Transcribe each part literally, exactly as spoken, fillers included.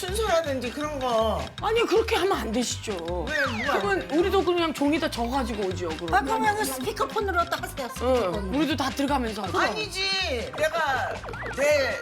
순서라든지 그런 거. 아니 그렇게 하면 안 되시죠. 왜, 뭐가 그건 안 돼? 우리도 그냥 종이다 져가지고 오죠. 아, 그럼. 그러면 스피커폰으로 딱 하세요. 응, 스피커폰. 우리도 다 들어가면서 하죠. 아니지. 내가 내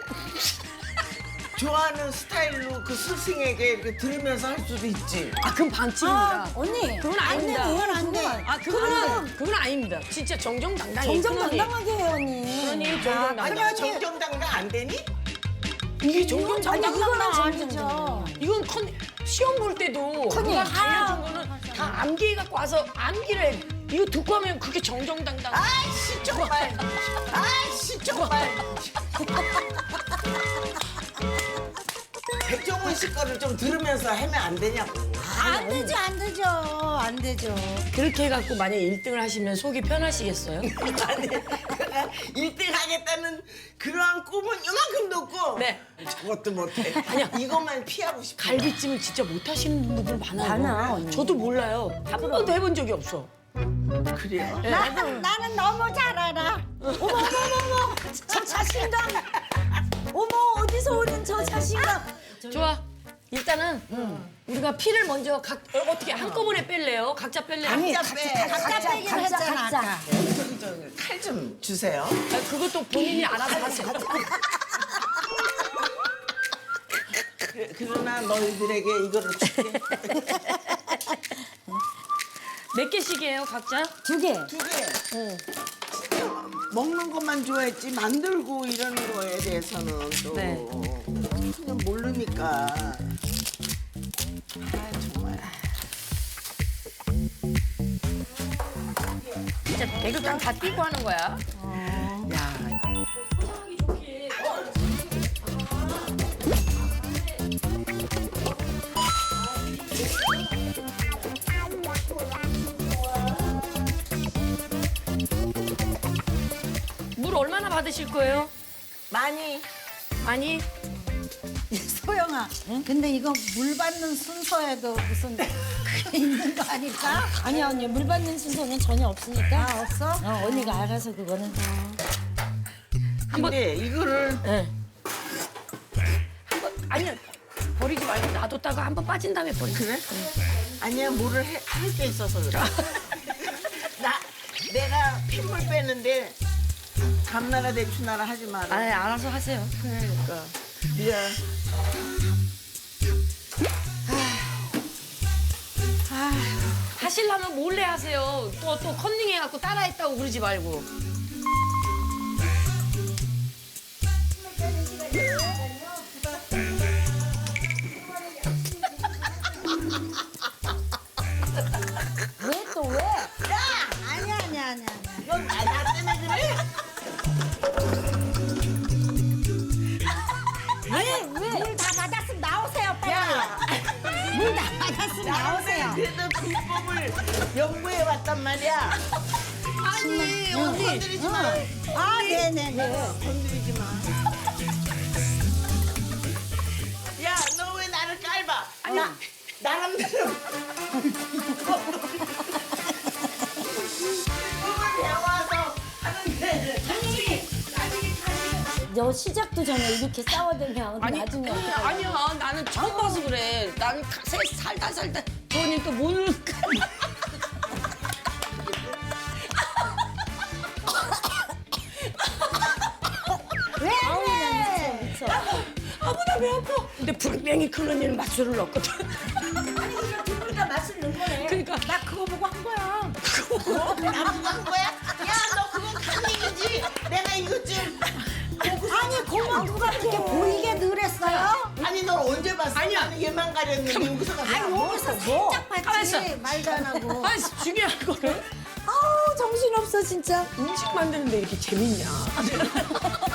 좋아하는 스타일로 그 스승에게 이렇게 들으면서 할 수도 있지. 아 그럼 반칙입니다. 아, 언니. 그건 아닙니다. 안 돼, 그건 안 돼. 아 그거는 그건 아닙니다. 진짜 정정당당히. 정정당당하게 해요, 언니. 그러니 아니야, 정정당당. 정정당당 안 되니? 이게 아니, 정정당당. 이거는 아니죠. 아니죠. 이건 컨 시험 볼 때도 컨닝. 누가 알려준 거는 다 암기 갖고 와서 암기를 해. 이거 듣고 하면 그게 정정당당. 아이씨 정말. 아이씨 정말. 백종원 씨 거를 좀 들으면서 하면 안 되냐고. 안 되죠, 안 되죠. 안 되죠. 그렇게 해갖고 만약에 일 등을 하시면 속이 편하시겠어요? 아니, 내가 일 등 하겠다는 그러한 꿈은 이만큼도 없고. 네. 저것도 못해. 아니야. 이것만 피하고 싶어. 갈비찜을 진짜 못하시는 분들 많아요. 많아, 언니. 저도 몰라요. 한 번도 해본 적이 없어. 그래요? 나는, 나는 너무 잘 알아. 어머, 어머, 어머, 어머. 저 자신감. 어머, 어디서 오는 저 자신감. 좋아. 일단은 우리가 피를 먼저 각 어, 어떻게 한꺼번에 뺄래요? 각자 뺄래요? 아니, 각자, 빼. 각자 빼기로 했잖아, 아까. 저기 저칼 좀 주세요. 아, 그것도 본인이 알아서 하세요. 그, 그러나 너희들에게 이거를 줄게. 몇 개씩이에요, 각자? 두 개. 두 개. 진짜 먹는 것만 좋아했지 만들고 이런 거에 대해서는 또 네. 그냥 모르니까. 아 정말. 진짜 개그장 다 띄고 하는 거야. 야. 물 얼마나 받으실 거예요? 많이. 많이? 소영아, 근데 이거 물 받는 순서에도 무슨 그게 있는 거 아닐까? 아니야 언니 물 받는 순서는 전혀 없으니까 아, 없어? 어, 언니가 알아서 그거는 근데 이거를 네. 한번 아니야 버리지 말고 놔뒀다가 한 번 빠진 다음에 버리. 그래? 아니야 뭐를 할 게 있어서 그래. 나 내가 핏물 빼는데 감나라 대추나라 하지 마라. 아 알아서 하세요. 그러니까. 미안. 하시려면 몰래 하세요. 또 또 컨닝 해갖고 따라했다고 그러지 말고. 왜 또 왜? 야! 아니야, 아니야, 아니야. 아니야. 넌 나, 나 때문에 그래? 왜? 물 다 받았으면 나오세요, 빨리. 물 다 받았으면 나오세요. 그래도 불법을 연구해 왔단 말이야. 아니 언니. 건드리지 마. 아, 네네네. 건드리지 마. 야, 너 왜 나를 깔봐? 나 나름대로. 그걸 배워서 하는데. 너 시작도 전에 이렇게 싸워대면 아니 나중에 그, 어떡해. 아니야 나는 처음 봐서 그래. 나는 가- 세- 살다 살다 그러니까 모르는. 왜? 왜? 미쳐. 아무나 배 아파. 근데 분명히 클로니는 맛술을 넣거든. 그러니까 맛을 넣은 거네. 그러니까 나 그거 보고 한 거야. 어? 나보고 한 거야? 야, 너 그건 간이지. 내가 이것 좀. 아니, 고만 누가 그렇게 보이게 늘었어요? 아니, 넌 언제 봤어? 아니야. 나는 얘만 가렸는데 여기서 가서 아니, 뭐? 여기서 뭐? 살짝 봤지. 가만있어. 말도 안 하고. 아 중요한 거를 아우 정신없어 진짜. 음식 만드는데 이렇게 재밌냐.